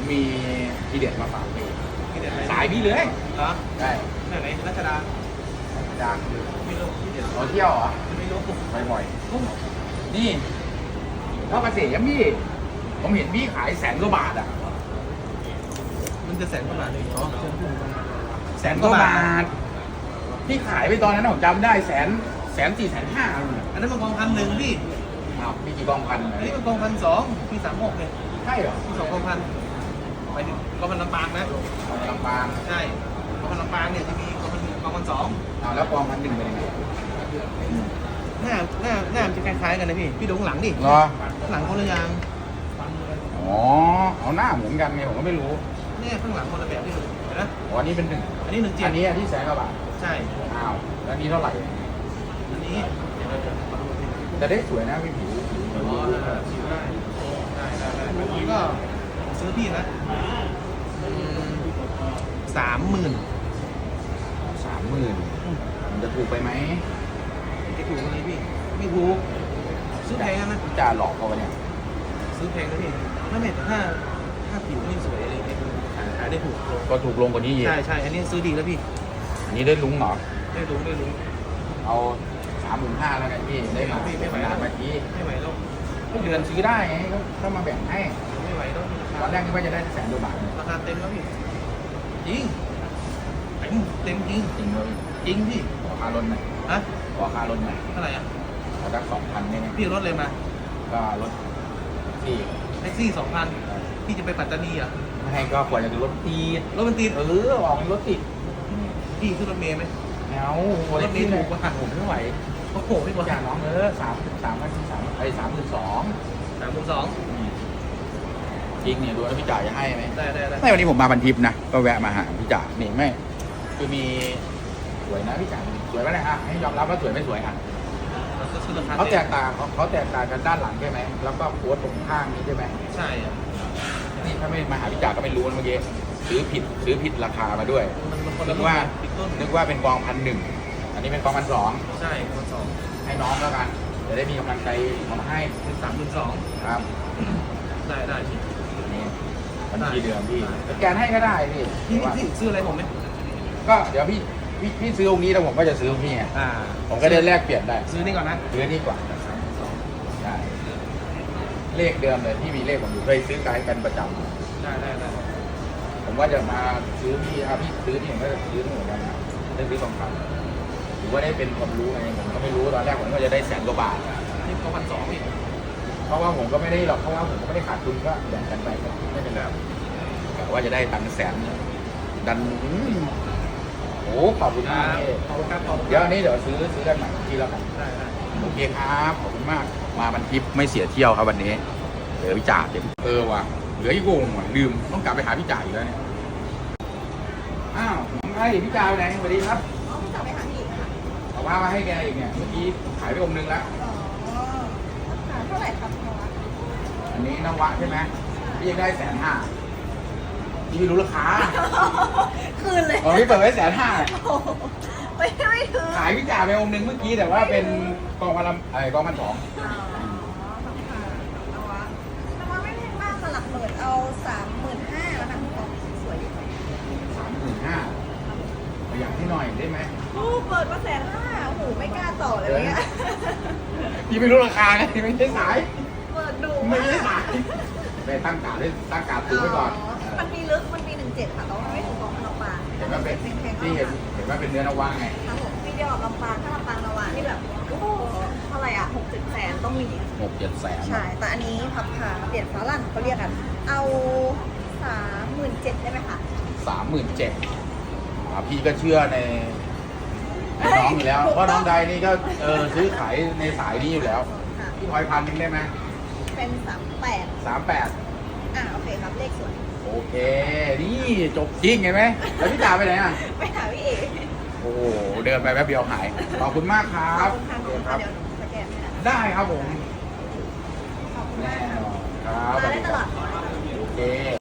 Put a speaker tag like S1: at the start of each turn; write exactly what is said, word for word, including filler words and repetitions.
S1: มีทีเด็ดมาฝากพี่
S2: ที่เด็ดอะไร
S1: สายพี่เลย
S2: เหรอ
S1: ได้
S2: ไหนไหนรัชดา
S1: ดัง
S2: ไม่รู้ที่เด็ด
S1: เราเที่ยวเหรอ
S2: ไม่รู้
S1: บ่อยๆนี่พ่อเกษมพี่ผมเห็นพี่ขายแสนกว่าบาทอ่ะ
S2: มันจะแสนกว่าบาทเลยอ๋อเชิญพูด
S1: แสนกว่าบาทพี่ขายไปตอนนั้นผมจำได้แสนแสนสี่แสนห้า
S2: อันนั้นมันกองพันหนึ่งพี่
S1: อ้าวมีกี่กองพัน
S2: อันนี้มันกองพันสองพี่สามหกเนี่ย
S1: ใช่เหรอ
S2: พี่สองกองพันไปถึงกองพันลำปางนะ
S1: เอาลำปาง
S2: ใช่กองพันลำปางเนี่ยจะมีกองพันกองพันสอง
S1: เอาแล้วกองพันหนึ่งเป็นยังไง
S2: หน้าหน้าหน้ามันจะคล้ายๆกันนะพี่พี่ดูข้างหลังดิ
S1: เหรอ
S2: ข้างหลังคนละอย่าง
S1: อ๋อเอาหน้าเหมือนกันไงผมก็ไม่รู้
S2: เนี่ยข้างหลังคนละแบบที่ดูเห็นไหม
S1: อ๋ออันนี้เป็นหนึ่ง
S2: อันนี้หนึ่งเจ็
S1: อั
S2: ด
S1: นนี้อันที่แสนกว่าบาท
S2: ใช่
S1: อ้าวแล้วอันนี้เท่าไหร่
S2: อันนี้
S1: แต่ได้สวยนะพี่ผิวผิว
S2: อ๋อได้ได้ได้ได้อันนี้ก็ซื้อพี่นะสามหมื่น
S1: สามหมื่นมันจะถูกไปไหม
S2: จะถูกไหมพี่ไม่ถูกซื้อแพงนะ
S1: จะหลอกเขาปะเนี่ย
S2: ซื้อแพงนะพี่ไม่ไม่แต่ถ้าถ้าผิวไม่สวยอะไรเนี่ยขายขายได้ถูกลง
S1: ก็ถูกลงกว่านี้เยอะ
S2: ใช่ใช่อันนี้ซื้อดีแล้วพี่
S1: อันนี้ได้ลุ้งเหรอ
S2: ได้รู้ได้รู้
S1: เอาสามหมื่นห้าแล้วกันพี่ได้มา
S2: ไม่ไหว
S1: ขนาดเมื่อกี้
S2: ไม่ไหวแล้ว
S1: ก็เดือนซื้อได้ไงก็ก็มาแบ่งให้
S2: ไม่ไหวแล้ว
S1: ตอนแรกนึกว่าจะได้แสนกว่าบาท
S2: ราคาเต็มแล้วพี่จริงเต็มเต็มจริง
S1: จริงเลย
S2: จริงพี่
S1: ขอค่ารถหน่อย
S2: ฮะ
S1: ขอค่ารถหน่อย
S2: เท่าไหร่อ่ะ
S1: ขอสักสองพันได้ไหม
S2: พี่รถเลยมา
S1: ก็รถที่
S2: แท็กซี่สองพันพี่จะไปปัตตานีเหรอ่ะ
S1: ไม่ให้ก็ควรจะดูรถตีด
S2: รถมันติด
S1: เออออกรถติด
S2: พี่ขึ้นรถเมล์ไหม
S1: เอา
S2: รถเมล์ถูกกว่า
S1: ผมไม่ไหว
S2: โอ้โหไม่กว่า
S1: อย่างน้องเออสามสามพันสามไอ้สามหมื่นสอง
S2: สามหมื่นสอง
S1: จริงเนี่ยดูแล้วพี่จ่าจะให้ไหม
S2: ได้ได้ได้
S1: ไม่วันนี้ผมมาบันทิปนะก็แวะมาหาพี่จ่านี่ไม่คือมีสวยนะพี่จ่าสวยไหมนะฮะให้ยอมรับว่าสวยไม่สวยอ่ะ
S2: ก็คือราคา
S1: เขาแตกต่างเขาเขาแตกต่างกันด้านหลังใช่ไหมแล้วก็โค้ดตรงข้างนี้ใช่ไหม
S2: ใช่อ่ะ
S1: นี่ถ้าไม่มาหาพี่จ่าก็ไม่รู้นะเมื่อกี้ซื้อผิดซื้อผิดราคามาด้วย
S2: มันมันคน
S1: นึ
S2: ละ
S1: ก
S2: รุ่น
S1: ว่า
S2: ผิดต้น
S1: นึกว่าเป็นกองพันหนึ่งอันนี้เป็นกองพันสอง
S2: ใช่คนสอง
S1: ให้น้องแล้วกันจะได้มีกำลังใจเอามาให้
S2: เป็นสามหมื่นสอง
S1: ครับ
S2: ได้ได้พี่
S1: นี่บัญชีเดิมพี่สแกนให้ก็ได้พี่
S2: พี่พี่ซื้ออะไรผมไหม
S1: ก็เดี๋ยวพี่พี่พี่ซื้อองค์นี้แล้วผมก็จะซื้อองค์นี้ไง
S2: อ่า
S1: ผมก็ได้แลกเปลี่ยนได้
S2: ซื้อนี่ก่อนนะ
S1: ซื้อนี่กว่า
S2: สามหมื่นสอง
S1: ใช่เลขเดิมเลยที่มีเลขผมอยู่เคยซื้อขายกันประจำ
S2: ได้ได้ได้
S1: ผมว่าจะมาซื้อพี่อาพี่ซื้อนี่ผมก็จะซื้อนี่เหมือนกันนะได้ซื้อทองคำหรือว่าได้เป็นความรู้ไงผมก็ไม่รู้ตอนแรกผมก็จะได้แสนกว่าบาท
S2: นี่ก็พันสองอีก
S1: เพราะว่าผมก็ไม่ได้หรอกเพราะว่าผมก็ไม่ได้ขาดทุนก็แบ่งกันไปก็ไม่เป็นไรแต่ว่าจะได้ตังค์แสนดันอืมโอ้ขอบคุณมากพี่
S2: ขอบคุณครับขอบคุณ
S1: เดี๋ยวอันนี้เดี๋ยวซื้อซื้อกันใหม่ทีแล้วกัน
S2: ได้ได้
S1: โอเคครับขอบคุณมากมาบันทิปไม่เสียเที่ยวครับวันนี้เหลือพี่จ่าเดี๋ยวเออว่ะเหลืออีกวงว่ะลืมต้องกลับไปหาพี่จ่าอีกแล้วเนี่ยอ้าวน้องไอ้พี่จ่าไปไหนสวัสดีครับ
S3: อ๋อจะไปหาอีกค่ะ
S1: เอาว่ามาให้แกอีกเนี่ยเมื่อกี้ขายไปองค์นึงแล้ว
S3: อ๋อราคาเท่าไหร่ครับน้อง
S1: อันนี้นวะใช่ไหมพี่ยังได้แสนห้าพี่ไม่รู้ราคา
S3: คืนเลย
S1: อ๋อพี่เปิดไว้แสนห้า
S3: โอ้โหไม่ไม่ถึง
S1: ขายพี่จ่าไปองค์นึงเมื่อกี้แต่ว่าเป็นกองพันลำไอ้กองพันสอง
S3: อ๋อค่ะนวะนวะไม่แพงมากค่ะหลักหมื่นเอาสามหมื่นห้าแล้วนะของสวยดี
S1: สามหมื่นห้าประหยัดให้หน่อยได้ไหม
S3: โอ้เปิดมาแสนห้าโอ้โหไม่กล้าต่อเลยเนี่ย
S1: พี่ไม่รู้ราคาไงไม่ใช่สาย
S3: เปิดดู
S1: ไม่ใช่สายไปตั้งกาดไว้ตั้งกาดตูไว้ก่อน
S3: มันมีลึกมันมีหนึ่งเจ็ดค่ะแต่ว่าไม่ถึงของลำปาง
S1: เห็นว่าเป็น
S3: แพงๆ
S1: ที่เห็นเห็นว่าเป็นเนื้อนวะไง
S3: ครับผมพี่เดียวกับลำปางถ้าลำปางนวะนี่แบบโอ้โหเท่าไหร่อ่ะหกสิบแสนต้องมี
S1: หกเจ็ดแสน
S3: ใช่ แต่อันนี้พับขาเปลี่ยนฝาลั่นเขาเรียกกัน เอาสามหมื่นเจ็ดได้ไหมคะ
S1: สามหมื่นเจ็ดพี่ก็เชื่อในในน้องอยู่แล้ว เพราะน้องใดนี่ก็เออซื้อขายในสายนี้อยู่แล้ว
S3: ค่ะ
S1: พี่พลอยพันหนึงได้ไหม
S3: เป็นสามแปด
S1: สามแปด
S3: อ่าโอเคครับ เลขสวย
S1: โอเค นี่จบจริงเห็นไหมแล้วพี่จ่าไปไหนอ่ะ
S3: ไปหาพี่เอก
S1: โอ้โหเดินไปแป๊บเดียวหาย ขอบคุณมากครั
S3: ขอบบ คุณค่ะขอบคุณ
S1: ค
S3: ค่ะ
S1: รับ
S3: เดี๋ยวสแกนให้นะ
S1: ได้ครับผม
S3: ขอบคุณ
S1: แน่
S3: มาก
S1: นอนครับ
S3: มาได้ตลอด
S1: โอเค